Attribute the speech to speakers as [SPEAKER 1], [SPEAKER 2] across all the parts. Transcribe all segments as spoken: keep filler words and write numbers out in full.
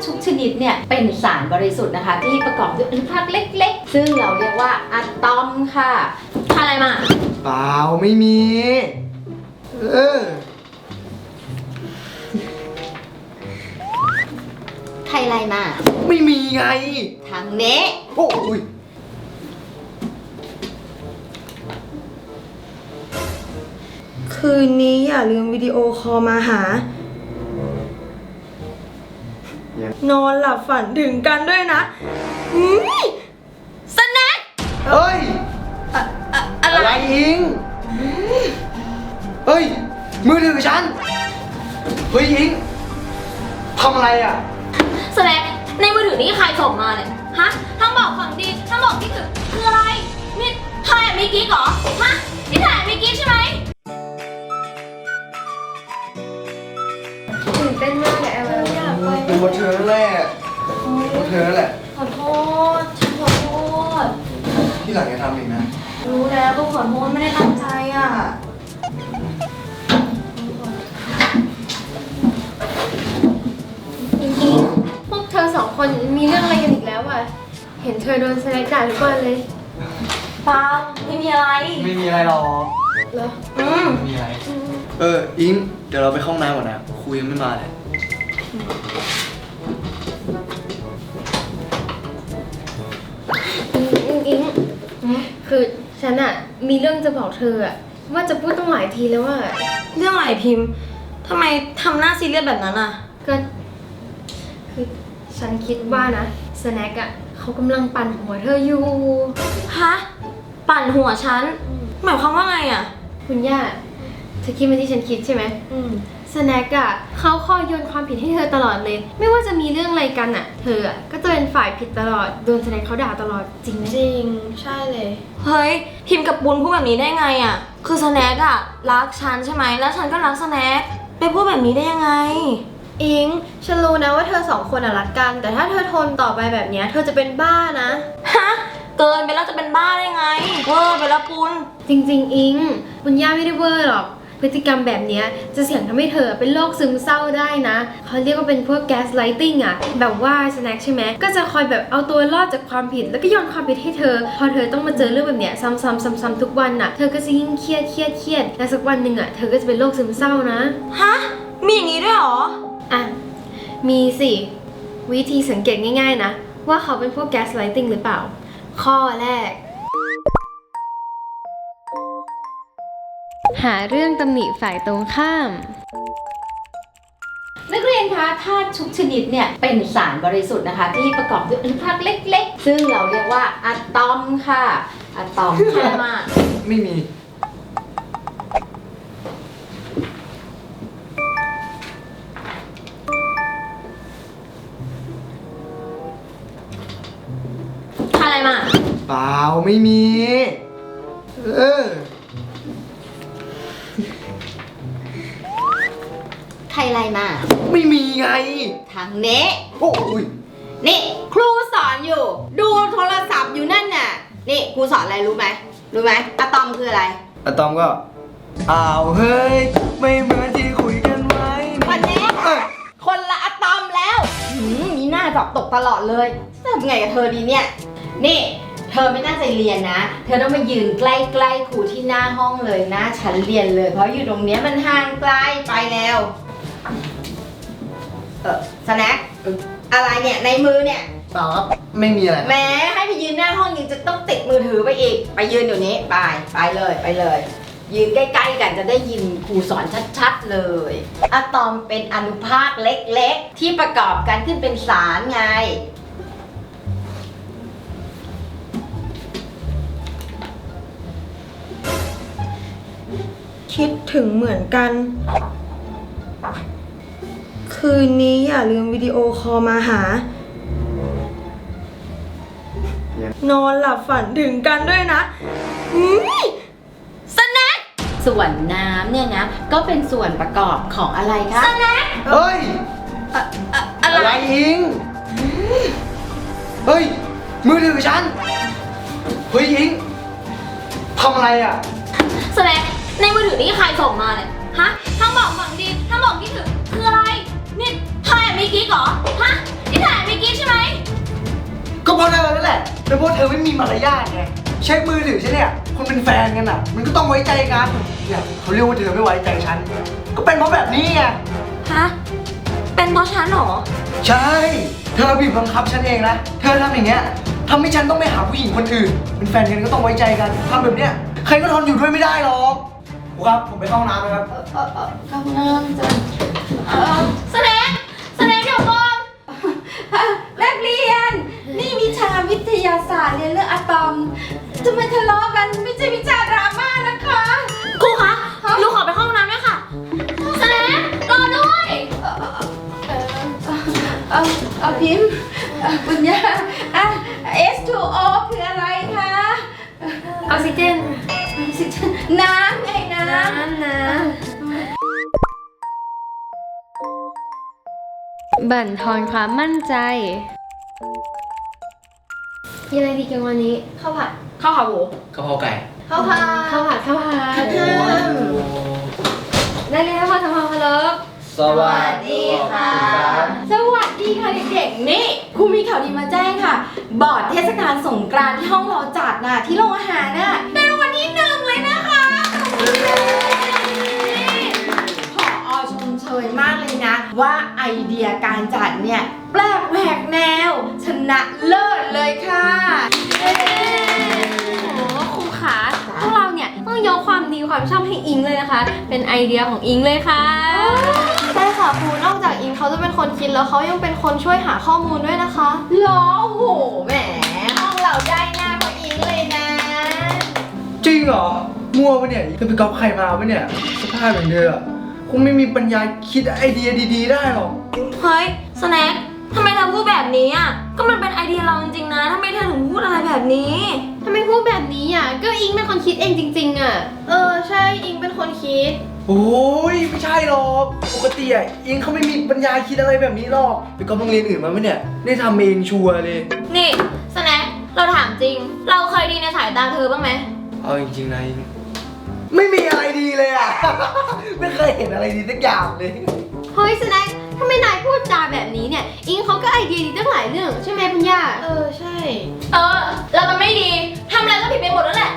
[SPEAKER 1] ทุกชนิดเนี่ยเป็นสารบริสุทธิ์นะคะที่ประกอบด้วยอนุภาคเล็กๆซึ่งเราเรียกว่าอะตอมค่ะอะไรมา
[SPEAKER 2] เปล่าไม่มีเออ
[SPEAKER 1] ใครอะไรมา
[SPEAKER 2] ไม่มีไง
[SPEAKER 1] ทางเนี้
[SPEAKER 2] โอ้ย
[SPEAKER 3] คืนนี้อย่าลืมวิดีโอคอลมาหา นอนหลับฝันถึงกันด้วยนะอืมสแน็ค
[SPEAKER 2] เฮ้ย
[SPEAKER 3] อะอะอะไร
[SPEAKER 2] อะไรอิงเฮ้ยมือถือฉันเฮ้ยอิงทำอะไรอ่ะ
[SPEAKER 4] สแน็คในมือถือนี้ใครส่งมาเนี่ยฮะทั้งบอกฝังดีทั้งบอกที่คือคืออะไรนี่ถ่ายมีกิ๊กเหรอฮะนี่ถ่ายมีกิ๊กใช่ไหม
[SPEAKER 3] ตื่นเต้นมากเลยแอลอยากไป
[SPEAKER 2] เป็นบทเธอนั่นแหละบทเธอนั่นแหละ
[SPEAKER 4] ขอโทษฉันขอโทษ
[SPEAKER 2] ที่หลังจะทำอีกนะ
[SPEAKER 4] รู้แล้วก็ขอโทษไม่ได้ตั้งใจอ่ะ
[SPEAKER 3] อิงอิงพวกเธอสองคนมีเรื่องอะไรกันอีกแล้วอ่ะเห็นเธอโดนสแน็คด่าทุกวันเลย
[SPEAKER 4] เปล่าไม่มีอะไร
[SPEAKER 2] ไม่มีอะไรหรอก
[SPEAKER 3] เหรอ
[SPEAKER 4] อืม
[SPEAKER 2] ไม่มีอะไรเอออิงเดี๋ยวเราไปเข้าห้องน้ำก่อนนะครูยังไม่มาเลย
[SPEAKER 3] อิงอิงคือฉันอะมีเรื่องจะบอกเธออะว่าจะพูดต้องหลายทีแล้วว่า
[SPEAKER 4] เรื่องอะไรพิมพ์ทำไมทำหน้าซีเรียสแบบนั้นอ่ะ
[SPEAKER 3] ก็คือฉันคิดว่านะสแน็คอะเขากำลังปั่นหัวเธออยู่
[SPEAKER 4] ฮะปั่นหัวฉันหมายความว่าไงอ่ะ
[SPEAKER 3] คุณย่าเธอคิดมาที่ฉันคิดใช่ไหมอืมสแน็คอะเขาคอยโยนความผิดให้เธอตลอดเลยไม่ว่าจะมีเรื่องอะไรกันอะเธออะก็จะเป็นฝ่ายผิดตลอดโดนสแน็คเขาด่าตลอดจริงไหม
[SPEAKER 4] จริงใช่เลยเฮ้ยพิมพ์กับปุณพูดแบบนี้ได้ไงอ่ะคือสแน็คอะรักฉันใช่ไหมแล้วฉันก็รักสแน็คไปพูดแบบนี้ได้ยังไง
[SPEAKER 3] อิงฉันรู้นะว่าเธอสองคนอะรักกันแต่ถ้าเธอทนต่อไปแบบนี้เธอจะเป็นบ้านะ
[SPEAKER 4] ฮะเกินไปแล้วจะเป็นบ้าได้ไงเวอร์ไปแล้วปุณ
[SPEAKER 3] จริงๆอิงปุณย่าไม่ได้เวอร์หรอกพฤติกรรมแบบนี้จะเสี่ยงทำให้เธอเป็นโรคซึมเศร้าได้นะเขาเรียกว่าเป็นพวกแก๊สไลติ้งอะแบบว่าสแน็คใช่ไหมก็จะคอยแบบเอาตัวรอดจากความผิดแล้วก็โยนความผิดให้เธอพอเธอต้องมาเจอเรื่องแบบเนี้ยซ้ำๆซ้ำๆทุกวันน่ะเธอก็จะยิ่งเครียดเครียดเครียดและสักวันหนึ่งอะเธอก็จะเป็นโรคซึมเศร้านะ
[SPEAKER 4] ฮะมีอย่างนี้ด้วยหรอ
[SPEAKER 3] อ่ะมีสิวิธีสังเกตง่ายๆนะว่าเขาเป็นพวกแก๊สไลติ้งหรือเปล่าข้อแรกหาเรื่องตำหนิฝ่ายตรงข้าม
[SPEAKER 1] นักเรียนคะธาตุทุกชนิดเนี่ยเป็นสารบริสุทธิ์นะคะที่ประกอบด้วยอนุภาคเล็กๆซึ่งเราเรียกว่าอะตอมค่ะอะตอม
[SPEAKER 4] ใช่มาก
[SPEAKER 2] ไม่มี
[SPEAKER 4] อะไรมา
[SPEAKER 2] เปล่าไม่มีเออ
[SPEAKER 1] ใครอะไรมา
[SPEAKER 2] ไม่มีไง
[SPEAKER 1] ทางเนี้
[SPEAKER 2] โอ้ย
[SPEAKER 1] นี่ครูสอนอยู่ดูโทรศัพท์อยู่นั่นน่ะนี่ครูสอนอะไรรู้ไหมรู้ไหมอะตอมคืออะไร
[SPEAKER 2] อะตอมก็อ้าวเฮ้ยไม่เหมือนที่คุยกันไว้
[SPEAKER 1] คนนี้คนละอะตอมแล้วมีหน้าสอบตกตลอดเลยจะทำไงกับเธอดีเนี่ยนี่เธอไม่น่าจะเรียนนะเธอต้องมายืนใกล้ๆครูที่หน้าห้องเลยนะฉันเรียนเลยเพราะอยู่ตรงเนี้ยมันห่างไกลไปแล้วเออสแน็คอะไรเนี่ยในมือเนี่ย
[SPEAKER 2] เปล่าครับไม่มีอะไร
[SPEAKER 1] แม้ให้ไปยืนหน้าห้องยังจะต้องติดมือถือไปอีกไปยืนอยู่นี้ไปไปเลยไปเลยยืนใกล้ๆกันจะได้ยินครูสอนชัดๆเลยอะตอมเป็นอนุภาคเล็กๆที่ประกอบกันขึ้นเป็นสารไง
[SPEAKER 3] คิดถึงเหมือนกันคืนนี้อย่าลืมวิดีโอคอลมาหานอนหลับฝันถึงกันด้วยนะอืม
[SPEAKER 4] สแน็ค
[SPEAKER 1] ส่วนน้ำเนี่ยนะก็เป็นส่วนประกอบของอะไรคะ
[SPEAKER 4] สแน็ค
[SPEAKER 2] เฮ้ย
[SPEAKER 4] อะอะอะไร
[SPEAKER 2] อะไรอิงเฮ้ยมือถือฉันเฮ้ยอิงทำอะไรอ่ะ
[SPEAKER 4] สแน็คในมือถือนี้ใครส่งมาเนี่ยฮะทั้งบอกฝังดีทั้งบอกที่ถึงคืออะไรนี่ถ่ายมีกิ๊กเหรอฮะนี่
[SPEAKER 2] แล้วพวกเธอไม่มีมารยาทไงเช็คมือถือฉันเนี่ยคนเป็นแฟนกันอ่ะ มันก็ต้องไว้ใจกันเนี่ยเขาเรียกว่าเธอไม่ไว้ใจฉันก็เป็นเพราะแบบนี้ไง
[SPEAKER 4] ฮะ เป็นเพราะฉันเหรอ
[SPEAKER 2] ใช่เธอบีบบังคับฉันเองนะเธอทำอย่างเงี้ยทำให้ฉันต้องไปหาผู้หญิงคนอื่น เป็นแฟนกันก็ต้องไว้ใจกันทำแบบเนี้ยใครก็ทนอยู่ด้วยไม่ได้หรอกครูครับผมไปเข้าห้องน้ำนะครับ
[SPEAKER 1] เออเออเออเข้าห้องน้ำจ้ะเออ
[SPEAKER 4] สแน็คสแน็คเดี๋ยวก่อน
[SPEAKER 1] นักเรียน นี่วิชาวิทยาศาสตร์เรียนเรื่องอะตอมทำไมทะเลาะกันไม่ใช่วิชาดราม่านะคะ
[SPEAKER 4] ครูคะหนูขอไปเข้าห้องน้ำด้วยค่ะสแน็ครอด้วย
[SPEAKER 1] เออเออเออเอาพิมพ์เอ่อปุญญาอ่ะ เอส ทู โอ คืออะไรคะ
[SPEAKER 3] ออกซิเจน
[SPEAKER 1] น้ำไงน้ำ
[SPEAKER 3] น้ำนะบั่นทอนความมั่นใจกินอะไรดีกันวันนี้ข้าวผัด
[SPEAKER 4] เข้าขาหมู
[SPEAKER 2] กะเพราไก่
[SPEAKER 1] ข้าวผัด
[SPEAKER 3] ข้าวผัดข้าวผัด
[SPEAKER 1] อืม
[SPEAKER 3] ได้เลยข้าวผัดทำความเคารพ
[SPEAKER 2] สวัสดีค่ะ
[SPEAKER 1] สวัสดีค่ะเด็กๆ นี่ครูมีข่าวดีมาแจ้งค่ะ บอร์ดเทศกาลสงกรานต์ที่ห้องเราจัดน่ะที่โรงอาหารน่ะได้รางวัลที่หนึ่งเลยนะคะนี่ผอชมเชยมากเลยนะ ว่าไอเดียการจัดเนี่ยแปลกแหวกแนว ชนะเลิศเลยค่ะ
[SPEAKER 3] โอ้โหครูขาพวกเราเนี่ยต้องยกความดีความชอบให้อิงเลยนะคะ เป็นไอเดียของอิงเลยค่ะ
[SPEAKER 5] ใช่ค่ะครูนอกจากอิงเขาจะเป็นคนคิดแล้วเขายังเป็นคนช่วยหาข้อมูลด้วยนะคะ
[SPEAKER 1] เหรอโอ้โหแหมห้องเราได้หน้าเพราะอิงเลยนะ
[SPEAKER 2] จริงเหรอมั่วปะเนี่ยเธอไปก๊อปใครมาปะเนี่ยสภาพอย่างเธออะคงไม่มีปัญญาคิดไอเดียดีๆได้หรอก
[SPEAKER 4] เฮ้ยสแน็คทำไมเธอพูดแบบนี้อ่ะ ก็มันเป็นไอเดียเราจริงๆนะทำไมเธอถึงพูดอะไรแบบนี้
[SPEAKER 3] ทำไมพูดแบบนี้อ่ะ ก็อิงเป็นคนคิดเองจริงๆอ่ะ
[SPEAKER 5] เออใช่อิงเป็นคนคิด
[SPEAKER 2] โอ้ยไม่ใช่หรอกปกติอ่ะอิงเขาไม่มีปัญญาคิดอะไรแบบนี้หรอกไปก๊อปโรงเรียนอื่นมาปะเนี่ยได้ทำเองชัวร์เลย
[SPEAKER 4] นี่สแน็คเราถามจริง เราเคยดีในสายตาเธอบ้างไหม
[SPEAKER 2] เอาจริงๆนะอิงไม่มีอะไรดีเลยอ่ะ ไม่เคยเห็นอะไรดีสักอย่างเลย
[SPEAKER 3] เฮ้ยสแน็คทำไมนายพูดจาแบบนี้เนี่ย อิงเขาก็ไอเดียดีตั้งหลายเรื่องใช่ไหมปัญญา
[SPEAKER 5] เออใช่
[SPEAKER 4] เออ เรามันไม่ดีทำอะไรก็ผิดไปหมดแล้วแหละ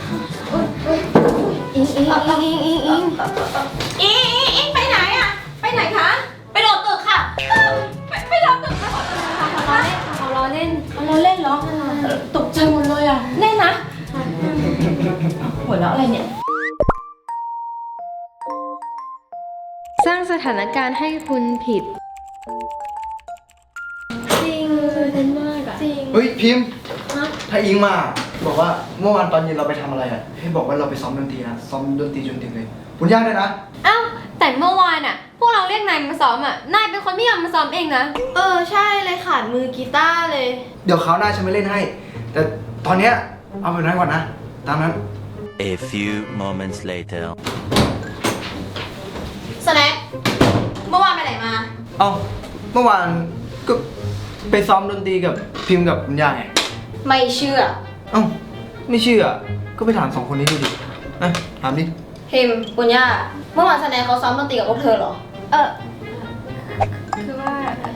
[SPEAKER 3] อิงอิงอิงอิงอิงอิง
[SPEAKER 1] อิงอิงอิงไปไหนอะไปไหนคะ
[SPEAKER 4] ไปโดดตึกค่ะ
[SPEAKER 1] ไปไปรอตึกมาขอโทษนะคะ
[SPEAKER 3] เขาล้อเล่น
[SPEAKER 1] เอาเราเล่นเหรอเออตกใจหมดเลยอะแน่นะ หัวเราะอะไรเนี่ย
[SPEAKER 3] สร้างสถานการณ์ให้คุณผิด
[SPEAKER 5] จริง
[SPEAKER 3] เล่นมากอ่ะ
[SPEAKER 5] จริง
[SPEAKER 2] เฮ้ยพิมพ์ถ้าอิงมาบอกว่าเมื่อวานตอนเย็นเราไปทำอะไรอ่ะให้บอกว่าเราไปซ้อมดนตรีนะซ้อมดนตรีจนดึกเลยคุณย่าด้วยนะ
[SPEAKER 3] เอ้าแต่เมื่อวานอ่ะ พวกเราเรียกนายมาซ้อมอ่ะ นายเป็นคนไม่ยอมมาซ้อมเองนะ
[SPEAKER 5] เออใช่เลยขาดมือกีตาร์เลย
[SPEAKER 2] เดี๋ยวคราวหน้าฉันไม่เล่นให้ แต่ตอนเนี้ยเอาแบบนั้นก่อนนะตามนั้น
[SPEAKER 6] A few moments later.
[SPEAKER 4] สแน็คเมื่อวานไปไหนมา
[SPEAKER 2] เอ้าเมื่อวานก็ไปซ้อมดนตรีกับพิมพ์กับคุณย่าไง
[SPEAKER 4] ไม่เชื่อ
[SPEAKER 2] เอ้าไม่เชื่อก็ไปถามสองคนนี้ดูดินะถามดิ
[SPEAKER 4] พิมพ์ปุญญาเมื่อวานสแน็คเขาซ้อมดนตรีกับพวกเธอเหรอ
[SPEAKER 5] เออ
[SPEAKER 3] คือว่า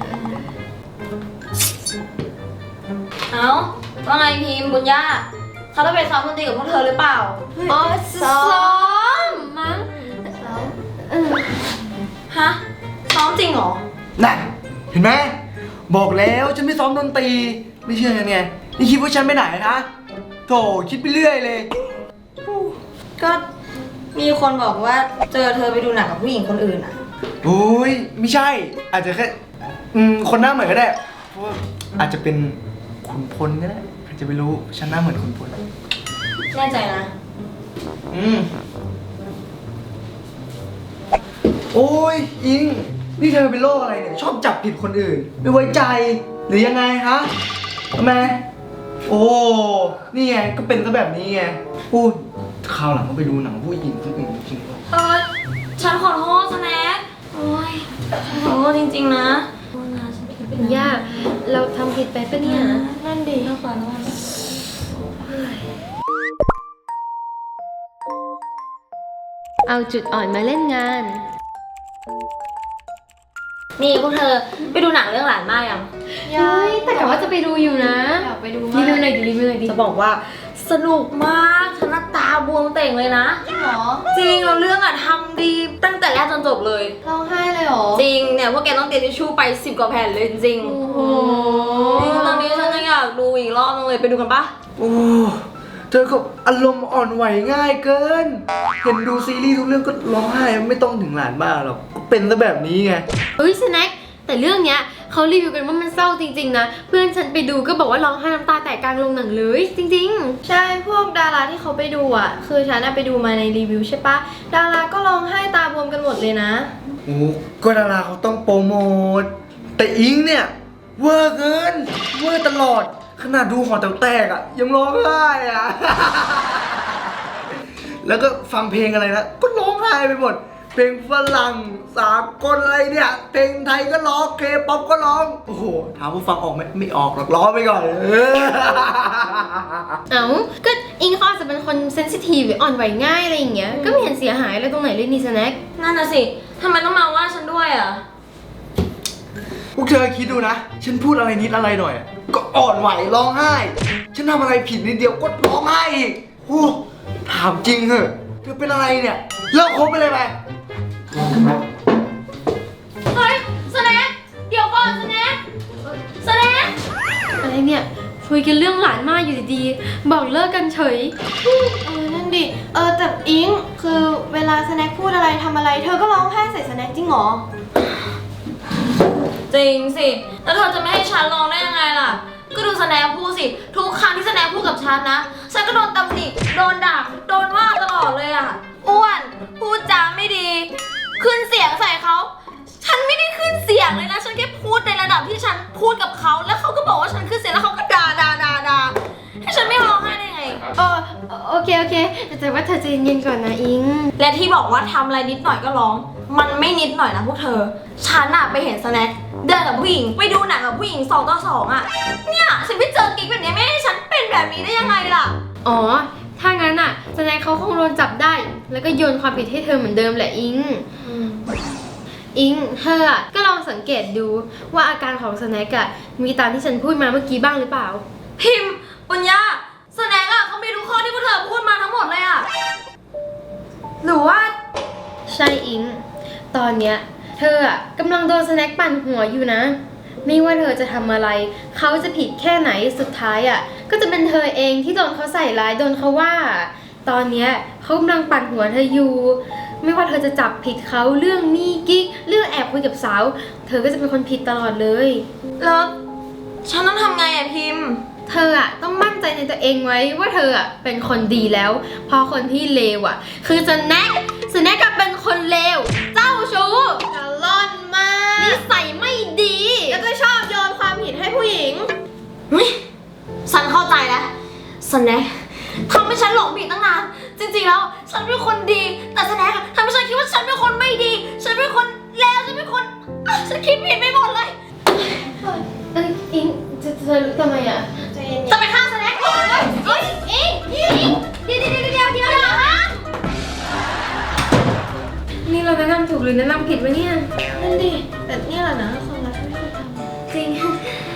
[SPEAKER 4] เอ้าว่าไงพิมพ์ปุญญาเขาต้องไปซ้อมดนตรีกับพวกเธอหรือเปล่า
[SPEAKER 3] อ๋อซ้อมมั้งเออ
[SPEAKER 4] ฮะ ซ้อมจริงเหรอ
[SPEAKER 2] น่ะเห็นไหมบอกแล้วฉันไม่ซ้อมดนตรีไม่เชื่อกันไงนี่คิดว่าฉันไปไหนนะโถคิดไปเรื่อยเลย
[SPEAKER 4] ก็มีคนบอกว่าเจอเธอไปดูหนังกับผู้หญิงคนอื่นอะ
[SPEAKER 2] โอ้ยไม่ใช่ อาจจะแค่อืมคนหน้าเหมือนก็ได้เพราะว่าอาจจะเป็นขุนพลก็ได้อาจจะไม่รู้ฉันหน้าเหมือนขุนพล
[SPEAKER 4] แน่ใจนะ
[SPEAKER 2] อืมโอ้ยอิงนี่เธอเป็นโรคอะไรเนี่ยชอบจับผิดคนอื่น ไม่ไว้ใจหรือยังไงฮะทำไมโอ้นี่ไงก็เป็นซะแบบนี้ไงพูดคราวหลังก็ไปดูหนังผู้หญิงคนอื่นจริงๆ
[SPEAKER 4] เออ ฉันขอโทษสแน็คโอ้ยขอโทษจริงๆนะ
[SPEAKER 3] เป็นยาก เราทำผิดไปปะเนี่ย
[SPEAKER 5] นั่นดี
[SPEAKER 4] ขอโทษ
[SPEAKER 3] เอาจุดอ่อนมาเล่นงาน
[SPEAKER 4] นี่พวกเธอไปดูหนังเรื่องหลานมากยัง
[SPEAKER 5] ยาย
[SPEAKER 3] แต่กะว่าจะไปดูอยู่นะ
[SPEAKER 5] อยากไปดู
[SPEAKER 3] รี
[SPEAKER 5] มาก
[SPEAKER 3] วิวหน่อยดิรีวิวหน่อยดิ
[SPEAKER 4] จะบอกว่าสนุกมากฉันน่ะตาบวมเต่งเลยนะ
[SPEAKER 5] จริงเหรอ
[SPEAKER 4] จริงเราเรื่องอะทำดีตั้งแต่แรกจนจบเลย
[SPEAKER 5] ร้องไห้เลยเหรอ
[SPEAKER 4] จริงเนี่ยพวกแกต้องเตรียมทิชชู่ไปสิบกว่าแผ่นเลยจริง
[SPEAKER 5] โอ้โห
[SPEAKER 4] ๆจริงตอนนี้ฉันยังอยากดูอีกรอบนึงเลยไปดูกันปะ
[SPEAKER 2] โอ้เธอก็อารมณ์อ่อนไหวง่ายเกิน เห็นดูซีรีส์ทุกเรื่องก็ร้องไห้ไม่ต้องถึงหลานบ้าหรอกก็เป็นซะแบบนี้ไง
[SPEAKER 3] เฮ้ยสแน็คแต่เรื่องเนี้ยเขารีวิวกันว่ามันเศร้าจริงๆนะเพื่อนฉันไปดูก็บอกว่าร้องไห้น้ำตาแตกกลางโรงหนังเลยจริง
[SPEAKER 5] ใช่พวกดาราที่เขาไปดูอ่ะ คือฉันน่ะไปดูมาในรีวิวใช่ปะดาราก็ร้องไห้ตาบวมกันหมดเลยนะ
[SPEAKER 2] โอ้ก็ดาราเขาต้องโปรโมทแต่อิงเนี่ยเวอร์เกินเวอร์ตลอดขนาดดูหอแต๋วแตกอ่ะยังร้องไห้อ่ะ แล้วก็ฟังเพลงอะไรนะก็ร้องไห้ไปหมด เพลงฝรั่งสากลอะไรเนี่ยเพลงไทยก็ร้องเคป๊อปก็ร้องโอ้โหถามว่าฟังออกไหมไม่ออกหรอกร้องไปก่อน เออ
[SPEAKER 3] ๆ เอ้าก็อิงเขาอาจจะเป็นคนเซนซิทีฟหรืออ่อนไหวง่ายอะไรอย่างเงี้ยก็ไม่เห็นเสียหายอะไรตรงไหนเลยนี่สแน็ค
[SPEAKER 4] นั่นน่ะสิทำไมต้องมาว่าฉันด้วยอะ
[SPEAKER 2] พวกเธอคิดดูนะ ฉันพูดอะไรนิดอะไรหน่อยอะก็อ่อนไหวร้องไห้ ฉันทำอะไรผิดนิดเดียวก็ร้องไห้อีกโอ้ถามจริงเหอะเธอเป็นอะไรเนี่ยเลิกคบไปเลยไป
[SPEAKER 4] เฮ้ยสแน็คเดี๋ยวก่อนสแน็คสแน็ค
[SPEAKER 3] อะไรเนี่ยคุยกันเรื่องหลานมากอยู่ดีๆบอกเลิกกันเฉย
[SPEAKER 5] เออ นั่นดิ เออ แต่อิง คือเวลาสแน็คพูดอะไรทำอะไร เธอก็ร้องไห้ใส่สแน็คจริงเหรอ
[SPEAKER 4] จริงสิแล้วเธอจะไม่ให้ฉันลองได้ยังไงล่ะก็ดูสแน็คพูดสิทุกครั้งที่สแน็คพูดกับฉันนะฉันก็โดนตำหนิโดนด่าโดนว่าตลอดเลยอะอ้วนพูดจาไม่ดี ขึ้นเสียงใส่เขาฉันไม่ได้ขึ้นเสียงเลยนะฉันแค่พูดในระดับที่ฉันพูดกับเขาแล้วเขาก็บอกว่าฉันขึ้นเสียงแล้วเขาก็ด่าด่าด่าด่าให้ฉันไม่ร้องไห้ได้ไง
[SPEAKER 3] เออโอเคโอเคแต่ว่าเธอใจเย็นๆก่อนนะอิง
[SPEAKER 4] และที่บอกว่าทำอะไรนิดหน่อยก็ร้อง มันไม่นิดหน่อยนะพวกเธอ ฉันอะไปเห็นสแน็คเดินกับผู้หญิงไปดูหนังกับผู้หญิงสองต่อสองอะเนี่ยฉันไปเจอกิ๊กแบบนี้ไม่ให้ฉันเป็นแบบนี้ได้ยังไงล่ะ
[SPEAKER 3] อ๋อถ้างั้นอ่ะสแน็คเขาคงโดนจับได้ แล้วก็โยนความผิดให้เธอเหมือนเดิมแหละอิงอิงเธออะก็ลองสังเกตดูว่าอาการของสแน็คอะมีตามที่ฉันพูดมาเมื่อกี้บ้างหรือเปล่า
[SPEAKER 4] พิมพ์ปุญญาสแน็คอะเขามีทุกข้อที่พวกเธอพูดมาทั้งหมดเลยอะหรือว่า
[SPEAKER 3] ใช่อิง ตอนเนี้ยเธออะกำลังโดนสแน็คปั่นหัวอยู่นะ ไม่ว่าเธอจะทำอะไร เขาจะผิดแค่ไหนสุดท้ายอะก็จะเป็นเธอเองที่โดนเขาใส่ร้ายโดนเขาว่า ตอนเนี้ยเขากำลังปั่นหัวเธออยู่ ไม่ว่าเธอจะจับผิดเขาเรื่องมีกิ๊กเรื่องแอบคุยกับสาว เธอก็จะเป็นคนผิดตลอดเลย
[SPEAKER 4] แล้วฉันต้องทำไงอะพิมพ์
[SPEAKER 3] เธออะต้องมั่นใจในตัวเองไว้ว่าเธออะเป็นคนดีแล้ว เพราะคนที่เลวอะคือสแน็คสแน็คก็เป็นคนเลว เจ้าชู้
[SPEAKER 5] กะล่อนมาก
[SPEAKER 3] นิสัยไม่ดี
[SPEAKER 5] แล้วก็ชอบโยนความผิดให้ผู้หญิง
[SPEAKER 4] ฉันเข้าใจแล้วสแน็คทำให้ฉันหลงผิดตั้งนาน จริงๆแล้วฉันเป็นคนดี แต่สแน็คทำให้ฉันคิดว่าฉันเป็นคนไม่ดี ฉันเป็นคนเลว ฉันเป็นคนอ่ะฉันคิดผิดไปหมดเลย
[SPEAKER 3] เอ้ยอิงจะเธอรู้ทำไมอะ
[SPEAKER 5] ใจเย็น
[SPEAKER 4] จะไปฆ่าสแน็คก่อนเลยเฮ้ยอิงอิงเดี๋ยวเดี๋ยวเดี๋ยวเดี๋ยวเดี๋ยวเดี๋ยวฮะ
[SPEAKER 3] นี่เราแนะนำถูกหรือแนะนำผิดวะเนี่ย
[SPEAKER 5] ๆนั่นดิ แต่เนี่ยแหละนะคนรักที่ไม่ควรทำ
[SPEAKER 3] จริง